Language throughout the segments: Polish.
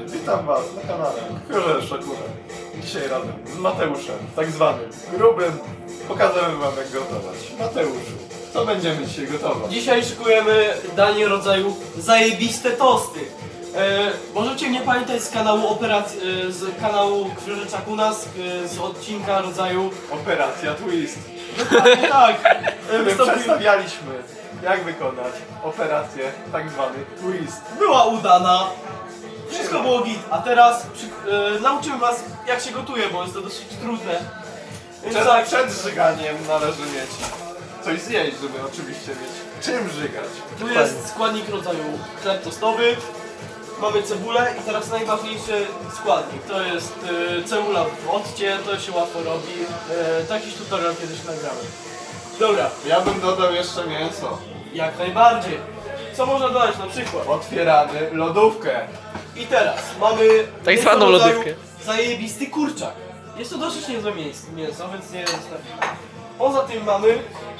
Witam was na kanale Królewsza Szakura. Dzisiaj razem z Mateuszem, tak zwanym grubym, pokażemy wam jak gotować. Mateuszu, co będziemy dzisiaj gotować? Dzisiaj szykujemy danie rodzaju zajebiste tosty. Możecie mnie pamiętać z kanału operacji, z kanału Krzyżyczak u nas, z odcinka rodzaju... Operacja Twist. Dokładnie tak. W którym przedstawialiśmy jak wykonać operację tak zwany Twist. Była udana. Wszystko było git, a teraz nauczymy was jak się gotuje, bo jest to dosyć trudne. Więc tak, Przed żyganiem należy mieć coś zjeść, żeby oczywiście mieć czym żygać. tu jest składnik rodzaju chleb tostowy. Mamy cebulę i teraz najważniejszy składnik. To jest cebula w occie, to się łatwo robi. Taki tutorial kiedyś nagrałem. Dobra, Ja bym dodał jeszcze mięso. jak najbardziej. Co można dodać na przykład? Otwieramy lodówkę. I teraz mamy Tak mięso zwaną rodzaju lodówkę. Zajebisty kurczak. Jest to dosyć niezłe mięso, więc nie jest tak. Poza tym mamy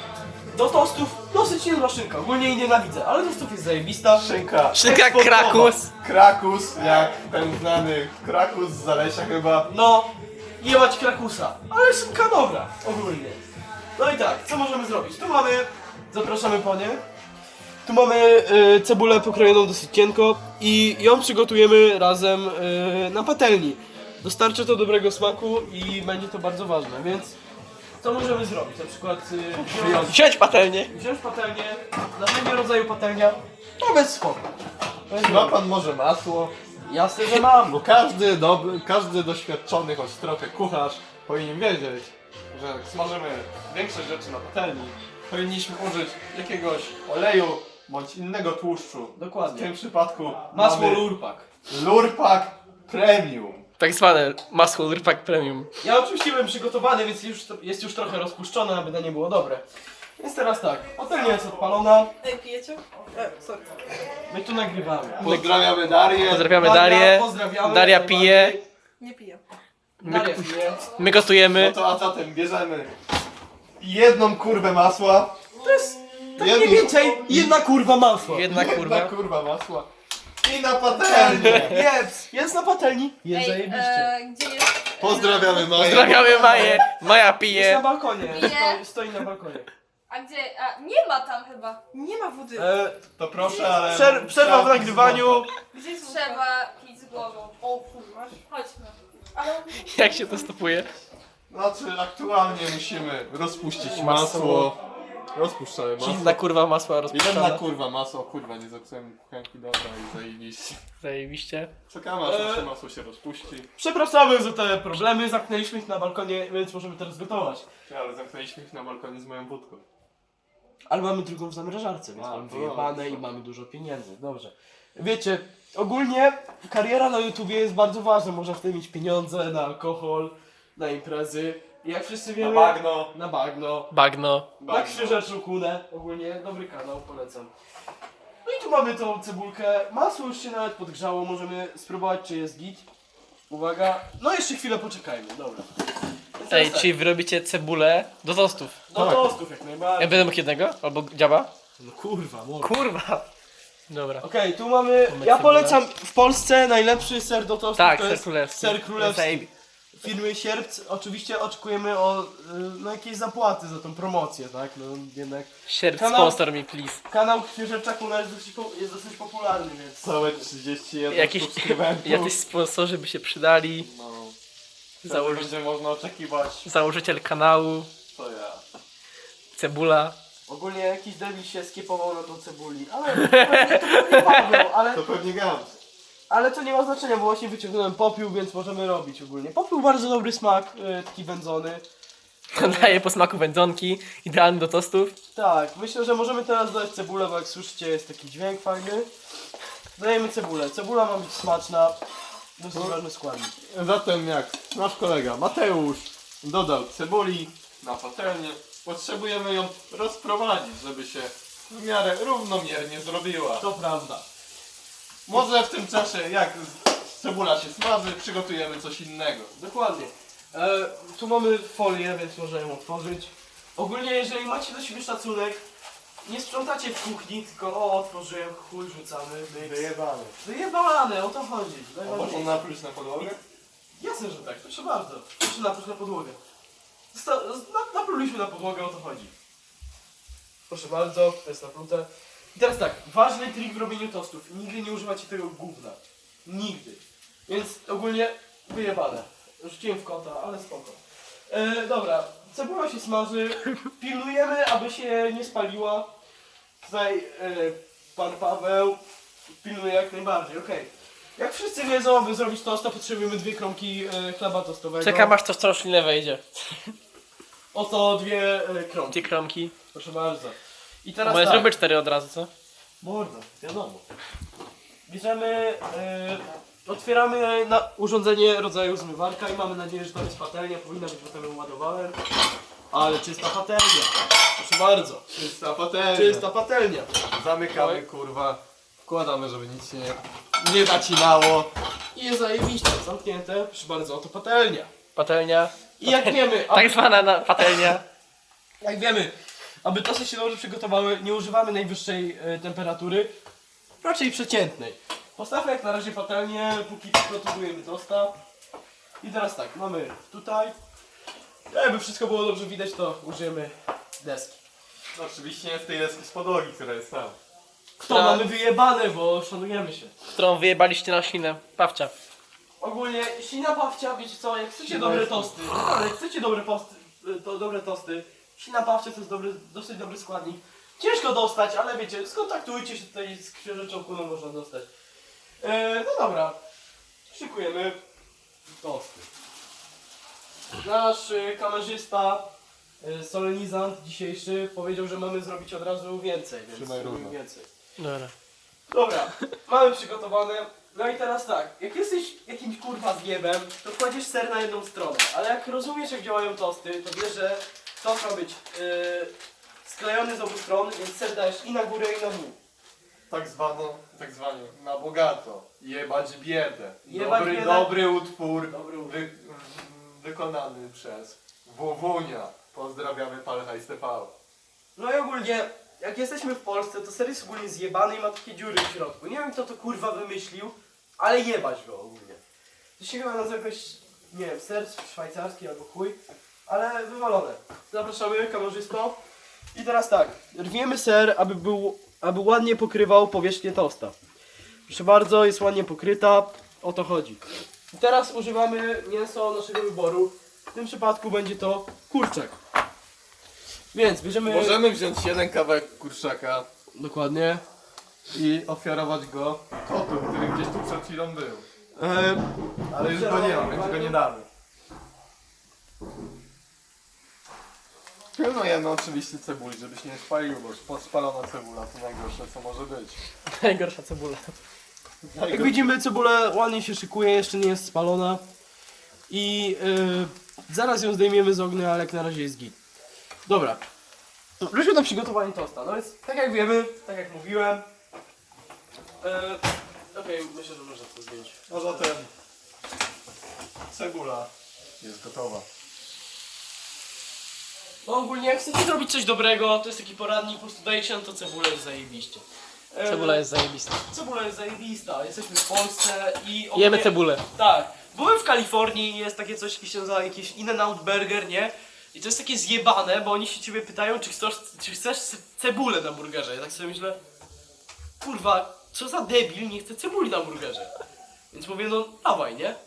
do tostów dosyć niezła szynka. Ogólnie jej nienawidzę, ale tostów jest zajebista. Szynka. Szynka Eksportowa. Krakus. Krakus, jak ten znany Krakus z Zalesia chyba. No, jebać krakusa, ale szynka dobra, ogólnie. No i tak, co możemy zrobić? Tu mamy, zapraszamy panie. Tu mamy cebulę pokrojoną dosyć cienko i ją przygotujemy razem na patelni. Dostarczy to dobrego smaku i będzie to bardzo ważne, więc co możemy zrobić? Na przykład Wziąć patelnię. wziąć patelnię, następnego rodzaju patelnia, to bez spoko. Ma pan może masło? Jasne, że mam. Bo każdy doświadczony choć trochę kucharz powinien wiedzieć, że jak smażymy większość rzeczy na patelni, powinniśmy użyć jakiegoś oleju bądź innego tłuszczu. W Dokładnie. tym przypadku Masło mamy Lurpak. Lurpak Premium. Tak zwane masło Lurpak Premium. Ja oczywiście byłem przygotowany, więc jest już trochę rozpuszczone, aby danie było dobre. Więc teraz tak, patelnia jest odpalona, Ej, pijecie? Sorry. my tu nagrywamy. Pozdrawiamy Darię. Pozdrawiamy Darię. Pozdrawiamy. Daria jak pije. najbardziej. Nie piję. Daria pije. My No gotujemy. to a zatem bierzemy jedną kurwę masła. To jest tak mniej więcej jedna kurwa masła. Jedna kurwa. Jedna kurwa masła. I na patelnię. Jest na patelni. Jest zajebiście. Gdzie jest? Pozdrawiamy Maję. Pozdrawiamy Maję. Maja Jest na pije. balkonie. Pije. Stoi na balkonie. A gdzie? A, nie ma tam chyba. Nie ma wody. To proszę, ale... Przerwa w nagrywaniu. Gdzie jest Trzeba pić z głową. O kurwa. Chodźmy. Ale... Jak się to stopuje? Znaczy aktualnie musimy rozpuścić Masło. masło. Rozpuszczamy masło. Inna kurwa masła Jedna rozpuszczona. kurwa masło, kurwa nie zepsułem kuchenki, dobra i zajebiście. Zajebiście. Czekamy aż nasze masło się rozpuści. Przepraszamy za te problemy, zamknęliśmy ich na balkonie, więc możemy teraz gotować. Ale zamknęliśmy ich na balkonie z moją wódką. Ale mamy drugą w zamrażarce, więc mamy wyjebane i mamy dużo pieniędzy. Dobrze. Wiecie, ogólnie kariera na YouTubie jest bardzo ważna. Można w tym mieć pieniądze na alkohol, na imprezy. I jak wszyscy wiemy... bagno. Na bagno. Bagno. Na Krzyżacz Rukunę. Ogólnie dobry kanał, polecam. No i tu mamy tą cebulkę. Masło już się nawet podgrzało. Możemy spróbować, czy jest git. Uwaga. No jeszcze chwilę poczekajmy, dobra. Więc Ej, teraz tak, czyli wy robicie cebulę do tostów. do tostów jak Ja najbardziej. będę mógł jednego? Albo dziaba? No kurwa, może. Kurwa. Dobra. Okej, tu mamy. Ja cebulę. polecam w Polsce najlepszy ser do tostu. Tak, to ser jest królewski. Ser królewski. Zajebi- Firmy Sierpc. Oczywiście oczekujemy no, jakieś zapłaty za tą promocję, tak? No jednak. Sierp Kanał- sponsor mi, please. Kanał Księżyczak u nas jest dosyć popularny, więc. Całe 31 Jakieś subskrybentów. jacyś sponsorzy by się przydali. No. Założy- Będzie można oczekiwać. Założyciel kanału. To ja. Cebula. Ogólnie jakiś debil się skiepował na tą cebuli, ale to pewnie Paweł, To pewnie Gams. ale to nie ma znaczenia, bo właśnie wyciągnąłem popiół, więc możemy robić ogólnie. Popiół bardzo dobry smak, taki wędzony. Daje po smaku wędzonki. Idealny do tostów. Tak, myślę, że możemy teraz dodać cebulę, bo jak słyszycie jest taki dźwięk fajny. Dajemy cebulę. Cebula ma być smaczna. Dosyć ważny składnik. Zatem jak nasz kolega Mateusz dodał cebuli na patelnię, potrzebujemy ją rozprowadzić, żeby się w miarę równomiernie zrobiła. To prawda. Może w tym czasie, jak cebula się smaży, przygotujemy coś innego. Dokładnie. Tu mamy folię, więc można ją otworzyć. Ogólnie jeżeli macie do siebie szacunek, nie sprzątacie w kuchni, tylko o, otworzyłem, chuj, rzucamy, myk. Wyjebany. Wyjebane, o to chodzi. A można Najważniejsze. napluć na podłogę? Jasne, że tak, proszę bardzo. Proszę napluć na podłogę. Napluliśmy na podłogę, o to chodzi. Proszę bardzo, to jest naplute. I teraz tak, ważny trik w robieniu tostów. Nigdy nie używacie tego gówna. Nigdy. Więc ogólnie wyjebane. Rzuciłem w kota, ale spoko. Dobra, cebula się smaży. Pilnujemy, aby się nie spaliła. Tutaj pan Paweł pilnuje jak najbardziej, okej. Jak wszyscy wiedzą, aby zrobić tosta, potrzebujemy 2 kromki chleba tostowego. Czekam aż to z roślinę wejdzie. Oto 2 kromki. 2 kromki. Proszę bardzo. I teraz Może tak. zróbmy 4 od razu, co? Mordo, wiadomo. Bierzemy, otwieramy na urządzenie rodzaju zmywarka i mamy nadzieję, że to jest patelnia. Powinna być, bo tam ją ładowałem. Ale czysta patelnia. Proszę bardzo. Czysta patelnia. Czysta patelnia. Zamykamy, kurwa. Wkładamy, żeby nic się nie zacinało. I jest zajebiście. Zamknięte. Proszę bardzo, oto patelnia. Patelnia. I jak wiemy, Tak zwana patelnia. jak wiemy, aby tosty się dobrze przygotowały, nie używamy najwyższej temperatury, raczej przeciętnej. Postawmy jak na razie patelnię, póki przygotowujemy tosta. I teraz tak, mamy tutaj. Jakby wszystko było dobrze widać, to użyjemy deski. No, oczywiście nie z tej deski z podłogi, która jest tam. To mamy wyjebane, bo szanujemy się. Którą wyjebaliście na roślinę. Pawcia. Ogólnie, sina pawcia, wiecie co, jak chcecie Sina dobre jest- tosty, ale jak chcecie dobre tosty, sina pawcia to jest dosyć dobry składnik. Ciężko dostać, ale wiecie, skontaktujcie się tutaj z księżyczą Kuną, można dostać. No dobra, szykujemy tosty. Nasz kamerzysta, solenizant dzisiejszy powiedział, że mamy zrobić od razu więcej, więc Trzymaj zrobimy równo. więcej. Dobra. Dobra, mamy przygotowane. No i teraz tak, jak jesteś jakimś kurwa zjebem, to kładziesz ser na jedną stronę, ale jak rozumiesz jak działają tosty, to wiesz, że tost ma być sklejony z obu stron, więc ser dajesz i na górę i na dół. Tak zwanie na bogato. Jebać biedę. Jebać Dobry, biedę. dobry utwór. Dobry utwór. Wykonany przez Wowunia. Pozdrawiamy Palhajs TV. No i ogólnie, jak jesteśmy w Polsce, to ser jest ogólnie zjebany i ma takie dziury w środku. Nie wiem kto to kurwa wymyślił, ale jebać go ogólnie. To się chyba nazywa jakoś, nie wiem, ser szwajcarski albo chuj, ale wywalone. Zapraszamy kamerzysto. I teraz tak, rwiemy ser, aby ładnie pokrywał powierzchnię tosta. Proszę bardzo, jest ładnie pokryta, o to chodzi. I teraz używamy mięso naszego wyboru. W tym przypadku będzie to kurczak. Więc bierzemy... Możemy wziąć jeden kawałek kurczaka Dokładnie. i ofiarować go kotu, który gdzieś tu przed chwilą był. Ale już go nie ma, więc go nie damy. Pilnujemy oczywiście cebuli, żeby się nie spalił, bo podspalona cebula to najgorsze co może być. Najgorsza cebula. Jak widzimy, cebula ładnie się szykuje, jeszcze nie jest spalona. I zaraz ją zdejmiemy z ognia, ale jak na razie jest git. Dobra. Wróćmy do przygotowania tosta. No więc, tak jak wiemy, tak jak mówiłem. Okej, myślę, że można to zdjąć. A zatem cebula jest gotowa. No ogólnie, jak chcecie zrobić coś dobrego, to jest taki poradnik, po prostu dajecie na to cebulę i zajebiście. Cebula jest zajebista. Cebula jest zajebista, jesteśmy w Polsce i Jemy cebulę. Tak. Byłem w Kalifornii i jest takie coś, jakie się nazywa jakiś In-N-Out Burger, nie? I to jest takie zjebane, bo oni się ciebie pytają, czy chcesz cebulę na burgerze. Ja tak sobie myślę, kurwa, co za debil nie chce cebuli na burgerze. Więc mówię, no dawaj, nie?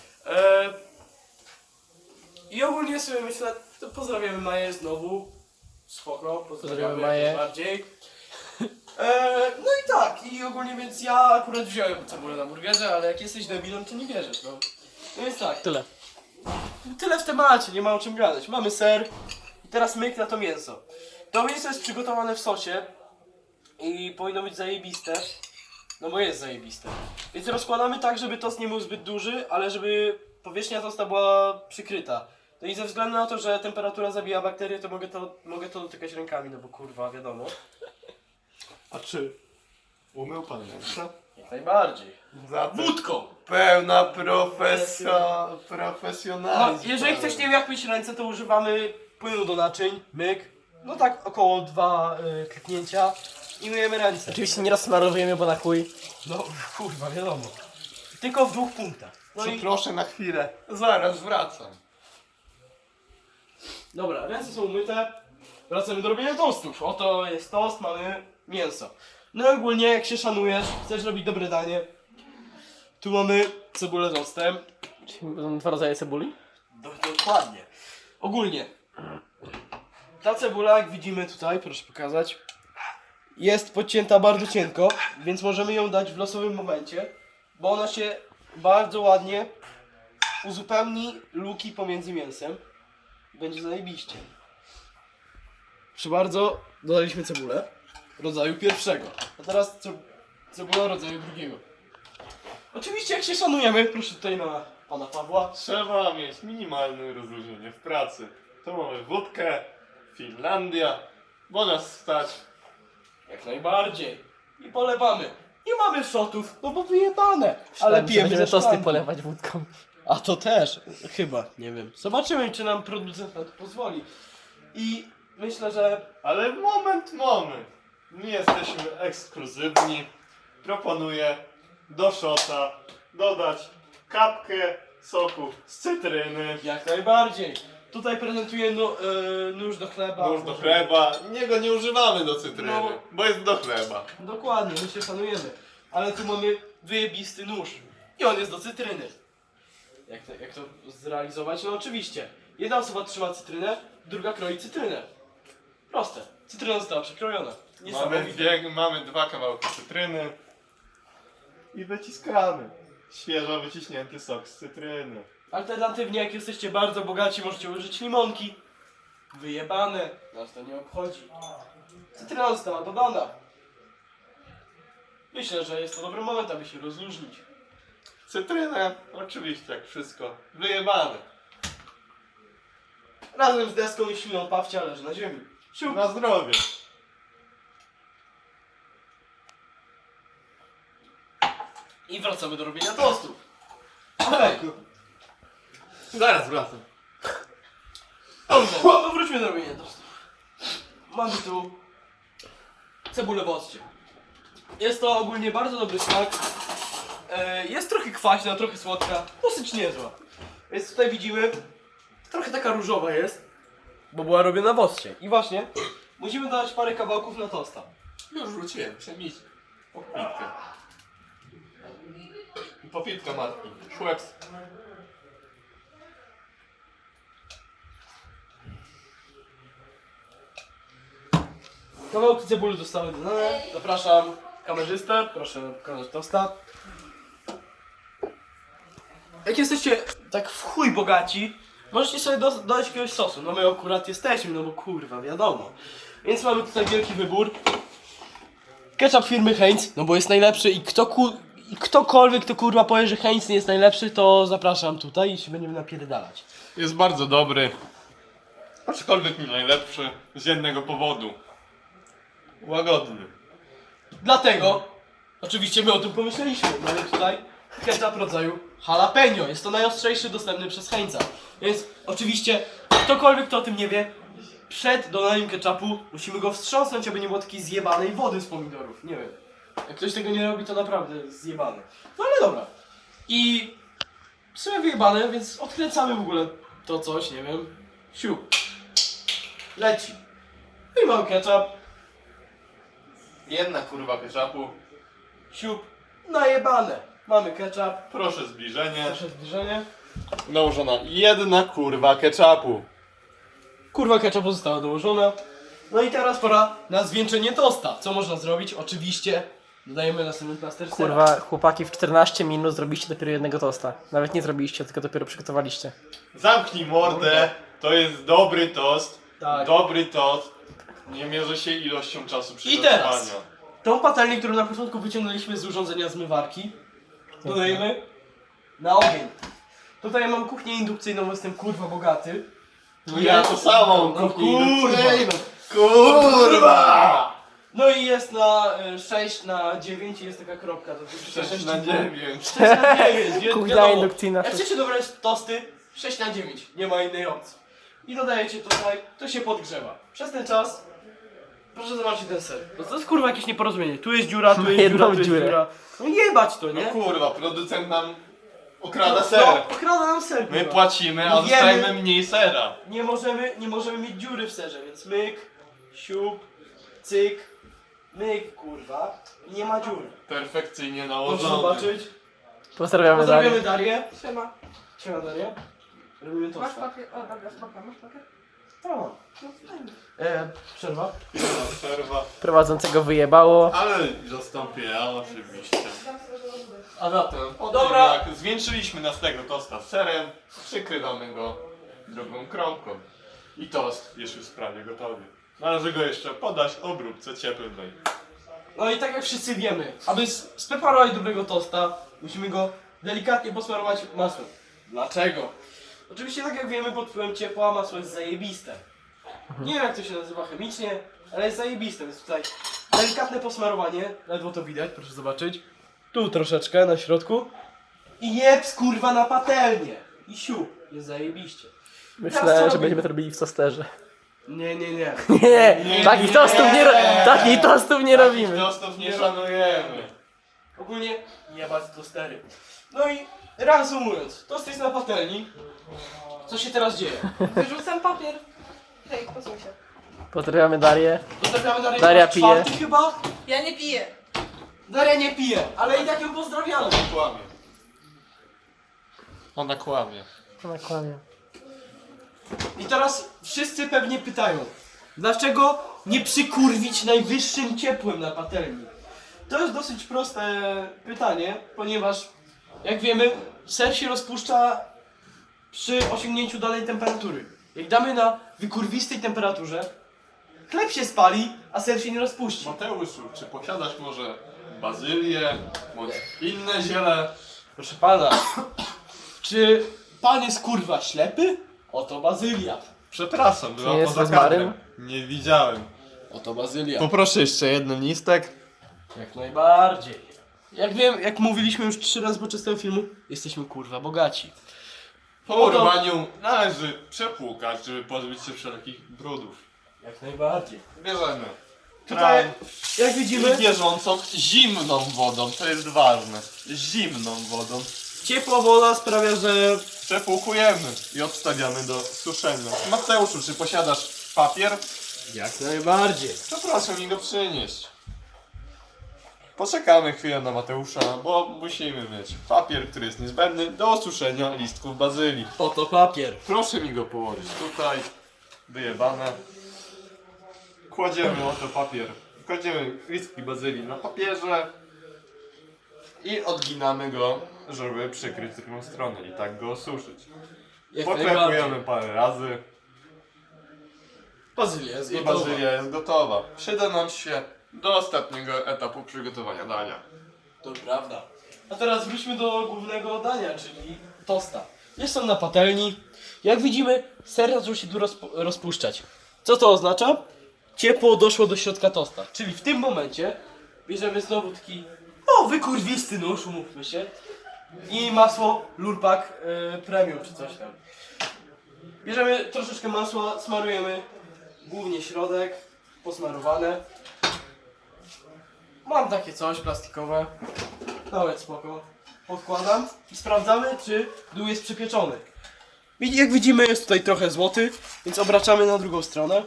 I ogólnie sobie myślę, to pozdrawiamy Maję znowu. Spoko, pozdrawiamy Maję. jak najbardziej. No i tak, i ogólnie więc ja akurat wziąłem cebulę na burgerze, ale jak jesteś debilem, to nie wierzysz, no. No więc tak, Tyle. tyle w temacie, nie ma o czym gadać. Mamy ser i teraz myk na to mięso. To mięso jest przygotowane w sosie i powinno być zajebiste, no bo jest zajebiste. Więc rozkładamy tak, żeby tost nie był zbyt duży, ale żeby powierzchnia tosta była przykryta. No i ze względu na to, że temperatura zabija bakterie, to mogę to dotykać rękami, no bo kurwa, wiadomo. A czy umył pan ręce? Jak najbardziej. Zatem Wódką! pełna No, profesjonalizm. jeżeli ktoś nie wie jak myć ręce, to używamy płynu do naczyń, myk. no tak około 2 kliknięcia i myjemy ręce. Oczywiście nie rozsmarowujemy, bo na chuj. No kurwa, wiadomo. Tylko w 2 punktach. No i Przeproszę na chwilę, zaraz wracam. dobra, ręce są umyte. Wracamy do robienia tostów. Oto jest tost, mamy mięso. No i ogólnie jak się szanujesz, chcesz robić dobre danie. Tu mamy cebulę z octem. Są 2 rodzaje cebuli. Dokładnie. Ogólnie. Ta cebula, jak widzimy tutaj, proszę pokazać, jest podcięta bardzo cienko, więc możemy ją dać w losowym momencie, bo ona się bardzo ładnie uzupełni luki pomiędzy mięsem. Będzie zajebiście. Proszę bardzo, dodaliśmy cebulę rodzaju pierwszego. A teraz cebula rodzaju drugiego. Oczywiście jak się szanujemy, proszę tutaj na pana Pawła. Trzeba mieć minimalne rozróżnienie w pracy. Tu mamy wódkę, Finlandia, bo nas stać. Jak najbardziej. I polewamy. Nie mamy shotów, no bo wyjebane. Ale pijemy będziemy ze tosty szklanki. polewać wódką. A to też, chyba, nie wiem. Zobaczymy, czy nam producent na to pozwoli. I myślę, że Ale moment. My jesteśmy ekskluzywni. Proponuję do szota dodać kapkę soku z cytryny, jak najbardziej. Tutaj prezentuję nóż do chleba. nóż do chleba. Niego nie używamy do cytryny, No. bo jest do chleba. Dokładnie, my się szanujemy. Ale tu mamy wyjebisty nóż. I on jest do cytryny. Jak to zrealizować? No oczywiście. Jedna osoba trzyma cytrynę, druga kroi cytrynę. Proste. Cytryna została przekrojona. Mamy 2 kawałki cytryny i wyciskamy. Świeżo wyciśnięty sok z cytryny. Alternatywnie, jak jesteście bardzo bogaci, możecie użyć limonki. Wyjebane. Nas to nie obchodzi. Cytryna została dodana. Myślę, że jest to dobry moment, aby się rozluźnić. Cytrynę, oczywiście, jak wszystko, wyjebane. Razem z deską i śliną pawcia leży na ziemi. Siup. Na zdrowie. I wracamy do robienia tostów. Okej. Zaraz wracam. Dobrze, no wróćmy do robienia tostów. Mamy tu cebulę w occie. Jest to ogólnie bardzo dobry smak. Jest trochę kwaśna, trochę słodka, dosyć niezła. Więc tutaj widzimy, trochę taka różowa jest, bo była robiona w occie. I właśnie, musimy dodać parę kawałków na tosta. Już wróciłem, przemić. Popitkę. Popitka matki. Szłeps. Kawałki cebuli zostały dodane. Zapraszam kamerzystę, proszę pokazać tosta. Jak jesteście tak w chuj bogaci, możecie sobie dodać jakiegoś sosu. No my akurat jesteśmy, no bo kurwa, wiadomo. Więc mamy tutaj wielki wybór. Ketchup firmy Heinz, no bo jest najlepszy i ktokolwiek kto kurwa powie, że Heinz nie jest najlepszy, to zapraszam tutaj i się będziemy napierdalać. Jest bardzo dobry. Aczkolwiek nie najlepszy z jednego powodu. Łagodny. Dlatego, oczywiście my o tym pomyśleliśmy, mamy tutaj ketchup rodzaju jalapeno. Jest to najostrzejszy dostępny przez Heinza. Więc oczywiście, ktokolwiek kto o tym nie wie, przed dodaniem ketchupu musimy go wstrząsnąć, aby nie było takiej zjebanej wody z pomidorów. Nie wiem. Jak ktoś tego nie robi, to naprawdę zjebane. No ale dobra. I w sumie wyjebane, więc odkręcamy w ogóle to coś, nie wiem. Siup. Leci. No i mamy ketchup. Jedna kurwa ketchupu. Siup, najebane. Mamy ketchup, Proszę zbliżenie. proszę zbliżenie. Nałożona jedna kurwa ketchupu. Kurwa ketchupu została dołożona. No i teraz pora na zwieńczenie tosta. Co można zrobić? Oczywiście dodajemy następny plaster sera. Kurwa, chłopaki w 14 minut zrobiliście dopiero jednego tosta. Nawet nie zrobiliście, tylko dopiero przygotowaliście. Zamknij mordę. To jest dobry tost. Tak. Dobry tost. Nie mierzy się ilością czasu I przygotowania. teraz tą patelnię, którą na początku wyciągnęliśmy z urządzenia zmywarki, dodajemy na ogień. Tutaj ja mam kuchnię indukcyjną, bo jestem kurwa bogaty. No ja to samą No kuchnię kurwa. indukcyjną. Kurwa! No i jest na 6 na 9 i jest taka kropka. To jest 6 na 9. 6 na 9, Kuchnia wiadomo. indukcyjna. Jak chcecie dobre tosty, 6 na 9. Nie ma innej opcji. i dodajecie tutaj, to się podgrzewa. Przez ten czas, proszę zobaczyć ten ser. No to jest kurwa jakieś nieporozumienie. Tu jest dziura, tu jest Jedną dziura, tu jest dziurę. dziura. No jebać to, No nie? kurwa, producent nam okrada ser. No, okrada nam ser. My kurwa. płacimy, a Wiemy- dostajemy mniej sera. Nie możemy mieć dziury w serze, więc myk, siup, cyk, myk, kurwa. I nie ma dziury. Perfekcyjnie Proszę nałożony. zobaczyć. Pozdrawiamy Darię. Pozdrawiamy Darię. Siema. Siema Daria. Robimy to. Masz papier? O, dobra, spoko, masz papier? No, No, fajnie. przerwa. Przerwa. Prowadzącego wyjebało. Ale zastąpię ja oczywiście. Dam sobie do wody. A zatem, po Dobra. tym jak zwieńczyliśmy naszego tosta serem, przykrywamy go drugą kromką. I tost jest już prawie gotowy. Należy go jeszcze podać obróbce cieplnej. No i tak jak wszyscy wiemy, aby spreparować dobrego tosta, musimy go delikatnie posmarować masłem. Dlaczego? Oczywiście tak jak wiemy, pod wpływem ciepła masło jest zajebiste. Nie wiem jak to się nazywa chemicznie, ale jest zajebiste, więc tutaj delikatne posmarowanie, ledwo to widać, proszę zobaczyć. Tu troszeczkę na środku. I jeb kurwa na patelnię. I siup, jest zajebiście. Teraz co Myślałem, że robimy? będziemy to robili w tosterze. Nie. Nie, takich tostów nie, takich tostów nie robimy. Tostów nie szanujemy. Ogólnie jebać tostery. No i reasumując, tost jest na patelni. Co się teraz dzieje? Wyrzucam papier. Hej, posłuchaj się. Pozdrawiamy Darię. Pozdrawiamy Darię Daria po raz czwarty pije. chyba? Ja nie piję. Daria nie pije, ale i tak ją pozdrawiamy. Kłamie. Ona kłamie. Ona kłamie. I teraz wszyscy pewnie pytają, dlaczego nie przykurwić najwyższym ciepłem na patelni? To jest dosyć proste pytanie, ponieważ jak wiemy, ser się rozpuszcza przy osiągnięciu danej temperatury. Jak damy na wykurwistej temperaturze, chleb się spali, a ser się nie rozpuści. Mateuszu, czy posiadasz może bazylię, bądź inne ziele? Proszę pana, czy pan jest kurwa ślepy? Oto bazylia. Przepraszam, była jest poza rozmaryn? kadrem. Nie widziałem. Oto bazylia. Poproszę jeszcze jeden listek. Jak najbardziej. Jak wiem, jak mówiliśmy już 3 razy podczas tego filmu, jesteśmy kurwa bogaci. Po Oto- urwaniu należy przepłukać, żeby pozbyć się wszelkich brudów. Jak najbardziej. Bierzemy Tutaj, kran jak widzimy, i bieżącą zimną wodą, to jest ważne. Zimną wodą. ciepła woda sprawia, że... Przepłukujemy i odstawiamy do suszenia. Mateuszu, czy posiadasz papier? Jak najbardziej. To proszę mi go przynieść. Poczekamy chwilę na Mateusza, bo musimy mieć papier, który jest niezbędny do osuszenia listków bazylii. Oto papier. Proszę mi go położyć tutaj, wyjebane. Kładziemy oto papier, kładziemy listki bazylii na papierze i odginamy go, żeby przykryć drugą stronę i tak go osuszyć. Jak Poklepujemy parę razy Bazylia jest i gotowa. bazylia jest gotowa. Przyda nam się do ostatniego etapu przygotowania dania. To prawda. A teraz wróćmy do głównego dania, czyli tosta. Jest on na patelni. Jak widzimy, ser zaczął się tu rozpuszczać. Co to oznacza? Ciepło doszło do środka tosta. Czyli w tym momencie bierzemy znowu taki wykurwisty nóż, umówmy się. I masło Lurpak Premium czy coś tam. Bierzemy troszeczkę masła, smarujemy głównie środek, posmarowane. Mam takie coś plastikowe. Nawet spoko. Podkładam i sprawdzamy, czy dół jest przypieczony. Jak widzimy, jest tutaj trochę złoty, więc obracamy na drugą stronę.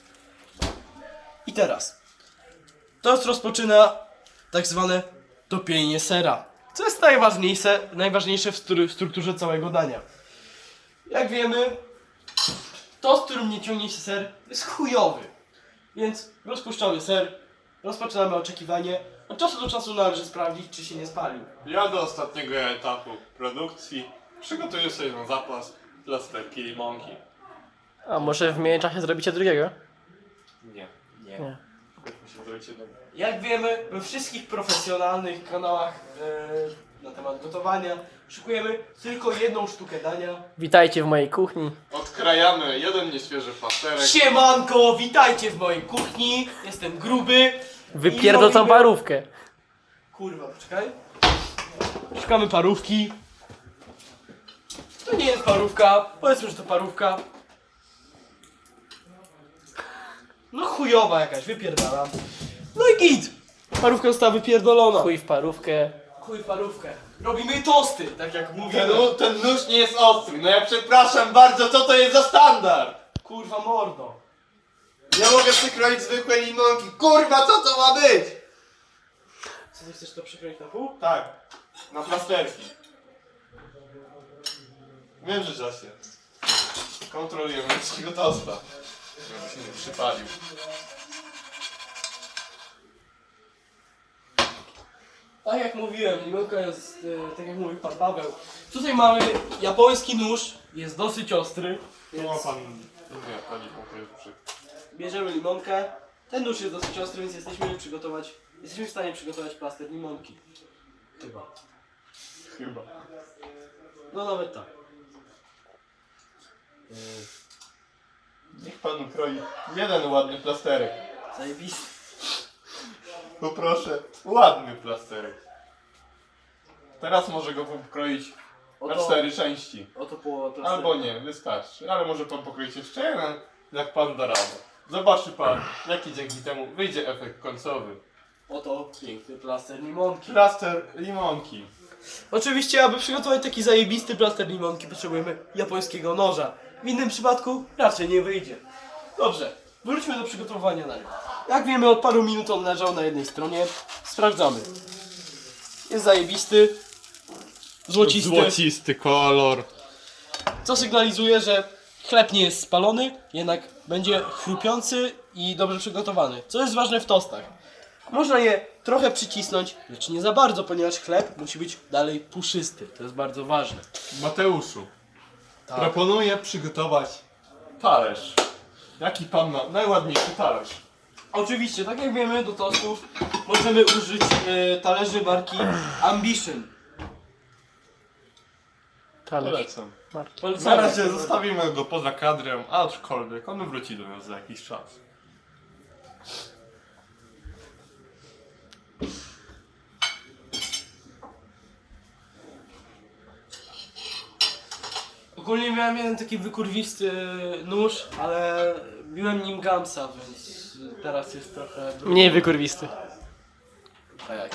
I teraz tost rozpoczyna tak zwane topienie sera. Co jest najważniejsze w strukturze całego dania. Jak wiemy, tost, w którym nie ciągnie się ser, jest chujowy. Więc rozpuszczamy ser, rozpoczynamy oczekiwanie. Od czasu do czasu należy sprawdzić, czy się nie spalił. Ja do ostatniego etapu produkcji przygotuję sobie na zapas plasterki limonki. A może w międzyczasie zrobicie drugiego? Nie. Nie. Musimy zrobić jednego. Jak wiemy, we wszystkich profesjonalnych kanałach na temat gotowania szykujemy tylko jedną sztukę dania. Witajcie w mojej kuchni. Odkrajamy jeden nieświeży plasterek. Siemanko, witajcie w mojej kuchni. Jestem gruby. Wypierdol tą robimy- parówkę. Kurwa, poczekaj. Szukamy parówki. To nie jest parówka, powiedzmy, że to parówka. No chujowa jakaś, wypierdalam. No i git! Parówka została wypierdolona. Chuj w parówkę. Chuj parówkę. Robimy tosty, tak jak mówiłem. Ten nóż nie jest ostry. No ja przepraszam bardzo, co to jest za standard? Kurwa mordo. Ja mogę przykroić zwykłe limonki. Kurwa, co to ma być? Co ty chcesz to przykroić na pół? Tak, na plasterki. Wiem, że się. Kontrolujemy wszystkiego tosta. Żeby się nie przypalił. Tak jak mówiłem, limonka jest, tak jak mówił pan Paweł. Tutaj mamy japoński nóż, jest dosyć ostry. Tu ma pan... Nie, pani konkretnie. Bierzemy limonkę. Ten nóż jest dosyć ostry, więc jesteśmy w stanie przygotować plaster limonki. Chyba. Chyba. No nawet tak. Niech pan ukroi jeden ładny plasterek. Zajebisty. Poproszę, ładny plasterek. Teraz może go pokroić na 4 części. Oto połowa plasteru. Albo nie, wystarczy. Ale może pan pokroić jeszcze jeden, jak pan da radę. Zobaczy pan, jaki dzięki temu wyjdzie efekt końcowy. Oto piękny plaster limonki. Plaster limonki. Oczywiście, aby przygotować taki zajebisty plaster limonki, potrzebujemy japońskiego noża. W innym przypadku raczej nie wyjdzie. Dobrze, wróćmy do przygotowania na niego. Jak wiemy, od paru minut on leżał na jednej stronie. Sprawdzamy. Jest zajebisty. Złocisty. Złocisty kolor. Co sygnalizuje, że chleb nie jest spalony, jednak będzie chrupiący i dobrze przygotowany. Co jest ważne w tostach. Można je trochę przycisnąć, lecz nie za bardzo, ponieważ chleb musi być dalej puszysty. To jest bardzo ważne. Mateuszu, Tak. proponuję przygotować talerz. Jaki pan ma najładniejszy talerz? Oczywiście, tak jak wiemy, do tostów możemy użyć talerzy marki Ambition. Talerz. Polecam. Na Polecamy. razie zostawimy go poza kadrem, aczkolwiek on wróci do nas za jakiś czas. Ogólnie miałem jeden taki wykurwisty nóż, ale biłem nim Gamsa, więc teraz jest trochę... Mniej wykurwisty. A jak?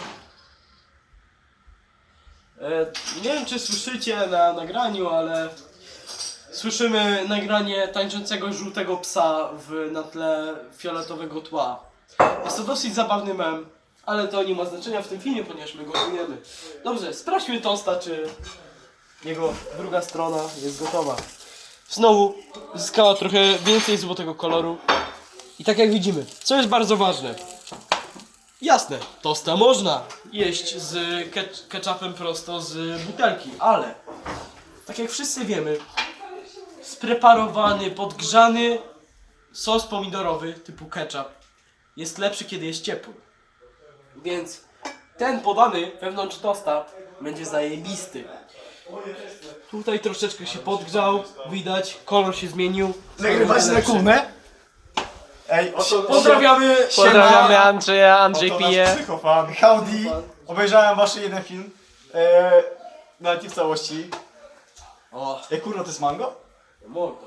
Nie wiem, czy słyszycie na nagraniu, ale słyszymy nagranie tańczącego żółtego psa na tle fioletowego tła. Jest to dosyć zabawny mem, ale to nie ma znaczenia w tym filmie, ponieważ my go czujemy. Dobrze, sprawdźmy tosta, czy jego druga strona jest gotowa. Znowu zyskała trochę więcej złotego koloru. I tak jak widzimy, co jest bardzo ważne. Jasne, tosta można jeść z ketchupem prosto z butelki, ale tak jak wszyscy wiemy, spreparowany, podgrzany sos pomidorowy typu ketchup jest lepszy, kiedy jest ciepły. Więc ten podany wewnątrz tosta będzie zajebisty. Tutaj troszeczkę się podgrzał, widać, kolor się zmienił. Nagrywać na kunę? Ej, Pozdrawiamy! Pozdrawiamy Andrzeja, Andrzej Oto pije. nasz psychofan. Howdy! Obejrzałem wasz jeden film. Nawet nie w całości. O, Ej, kurwa, to jest mango? mordo.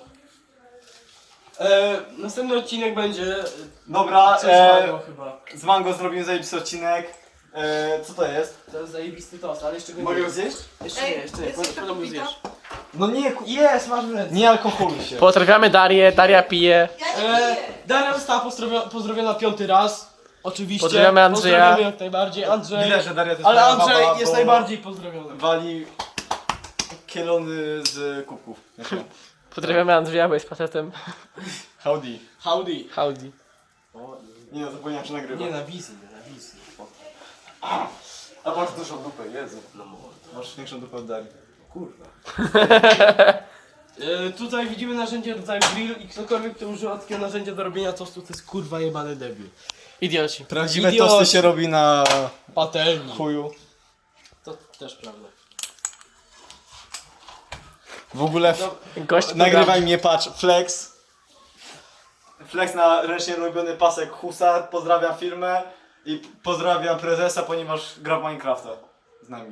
Następny odcinek będzie Dobra, coś mango chyba. z mango zrobimy zajebisty odcinek. Co to jest? To jest zajebisty tost, ale jeszcze go nie Mogę go jest. zjeść? Jeszcze nie, potem go zjesz. No nie, Jest, masz w ręce. nie alkoholuj się. Pozdrawiamy Darię, Daria pije. Ja nie piję. Daria została pozdrowiona 5. raz. Oczywiście. Pozdrawiamy Andrzeja. Pozdrawiamy jak najbardziej. Andrzej. Widać, że Daria to jest Ale moja Andrzej baba, jest bo najbardziej pozdrowiony. wali kielony z kubków. Pozdrawiamy Andrzeja, bo jest facetem. Howdy. Howdy. Howdy. Nie no, zapomniałem, że nagrywa. Nie na wizji. A masz dużą dupę, Jezu. No masz większą dupę od Darii. Kurwa. Tutaj widzimy narzędzie rodzaju grill i ktokolwiek, kto używa takiego narzędzia do robienia tostu, to jest kurwa jebany debil. Idioci. Prawdziwe Idioci. tosty się robi na Patelni. chuju. To też prawda. W ogóle Gość nagrywaj mnie, patrz, Flex. Flex na ręcznie robiony pasek Husar. Pozdrawiam firmę i pozdrawiam prezesa, ponieważ gra w Minecrafta z nami.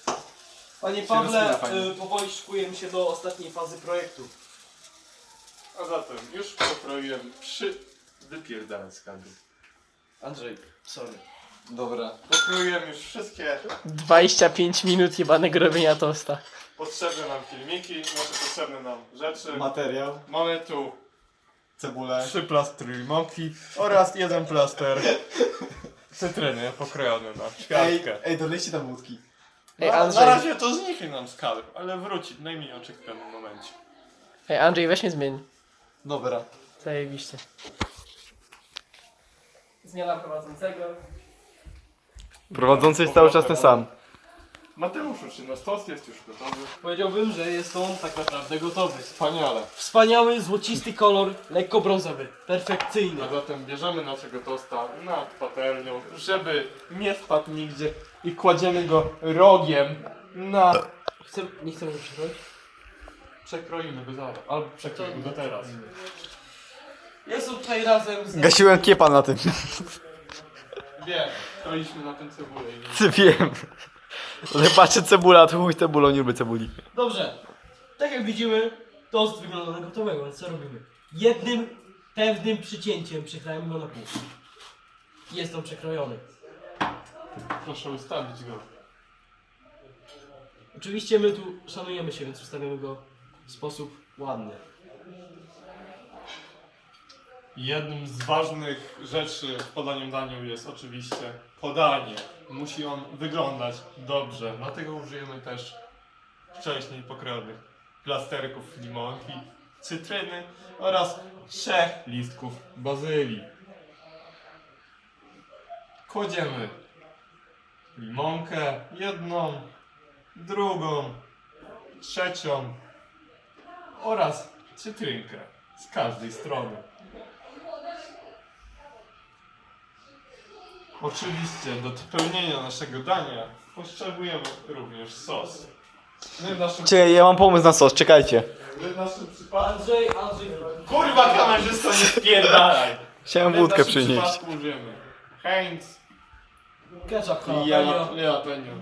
Panie rozpina Pawle, fajnie. powoli szykujemy się do ostatniej fazy projektu. A zatem już pokroiłem 3 wypierdane z kadru. Andrzej, sorry. Dobra. Pokroiłem już wszystkie 25 minut jebanego robienia tosta. potrzebne nam filmiki, potrzebne nam rzeczy. Materiał. Mamy tu Cebulę. 3 plastry limonki oraz 1 plaster cytryny pokrojony na ćwiartkę. Ej, dolejcie tam wódki. Ej, Na Andrzej, razie to zniknie nam z kadru, ale wróci w najmniej oczekiwanym momencie. ej, Andrzej, weź mnie zmień. Dobra. Zajebiście. Zmiana prowadzącego. Prowadzący jest cały czas ten sam. Mateuszu, czy nasz tost jest już gotowy? Powiedziałbym, że jest on tak naprawdę gotowy. Wspaniale. Wspaniały, złocisty kolor, lekko brązowy. Perfekcyjny. A zatem bierzemy naszego tosta nad patelnią, żeby nie wpadł nigdzie i kładziemy go rogiem na... Nie chcemy go przykroić? Przekroimy go zaraz, albo przekroimy go teraz. Jest on tutaj razem z... Gasiłem kiepa na tym. Wiem, kroiliśmy na tym cebulę i... Ty wiem. Ale patrzę cebula, to chuj cebulą, nie lubię cebuli. Dobrze. Tak jak widzimy, tost wygląda na gotowego, więc co robimy? Jednym pewnym przycięciem przekrajamy go na pół. Jest on przekrojony. Proszę ustawić go. Oczywiście my tu szanujemy się, więc ustawimy go w sposób ładny. Jednym z ważnych rzeczy w podaniu daniu jest oczywiście podanie. Musi on wyglądać dobrze, dlatego użyjemy też wcześniej pokrojonych plasterków limonki, cytryny oraz 3 listków bazylii. Kładziemy limonkę, jedną, drugą, trzecią oraz cytrynkę z każdej strony. Oczywiście do dopełnienia naszego dania potrzebujemy również sos. My w naszym, Czekaj, ja mam pomysł na sos, czekajcie. my w naszym przypadku... Andrzej. Kurwa kamerzysto, nie spierdalaj! Chciałem My w wódkę naszym przynieść. przypadku użyjemy Heinz Ketchup, i jalapeno. jalapeno.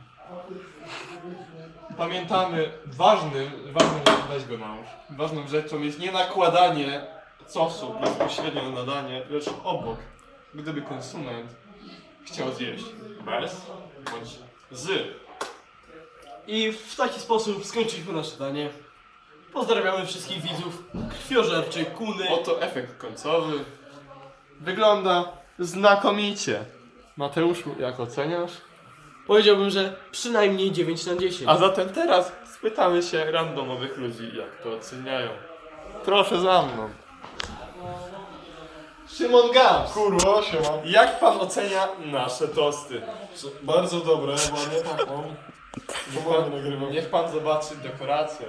Pamiętamy, weź go nałóż. Ważną rzeczą jest nie nakładanie sosu bezpośrednio na danie, lecz obok. Gdyby konsument chciał zjeść bez bądź z. I w taki sposób skończyliśmy nasze danie. Pozdrawiamy wszystkich widzów krwiożerczych Kuny. Oto efekt końcowy. Wygląda znakomicie. Mateuszu, jak oceniasz? Powiedziałbym, że przynajmniej 9 na 10. A zatem teraz spytamy się randomowych ludzi, jak to oceniają. Proszę za mną. Szymon Gams. Kurwa, siema. Jak pan ocenia nasze tosty? Bardzo dobre, ładnie pachną. Powoli nagrywam. Niech pan zobaczy dekorację.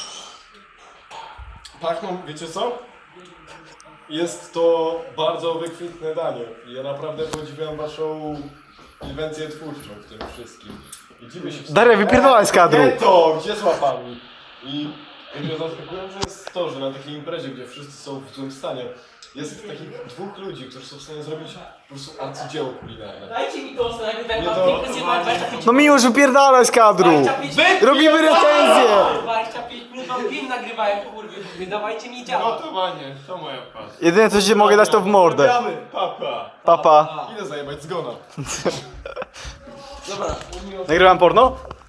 Pachną, wiecie co? Jest to bardzo wykwintne danie. Ja naprawdę podziwiam waszą inwencję twórczą w tym wszystkim. I dziwię się... Daria, wypierdolaj z kadru. Nie to, gdzie z łapami? I mnie zaskakujące jest to, że na takiej imprezie, gdzie wszyscy są w złym stanie, jest takich 2 ludzi, którzy są w stanie zrobić po prostu arcydzieło kulinarne. Dajcie mi tost, nagrywałem Nie wam to- pięknie zjebałem 25 No Miłosz, wypierdalaj z kadru. 25 minut. Robimy recenzję. 25 minut wam film nagrywałem, kurwy. Dawajcie mi działa. Gotowanie, to moja pasja. Jedyne co ci mogę dać to w mordę. Gramy! Papa. Papa. Idę zajebać zgona. Dobra, Nagrywam porno?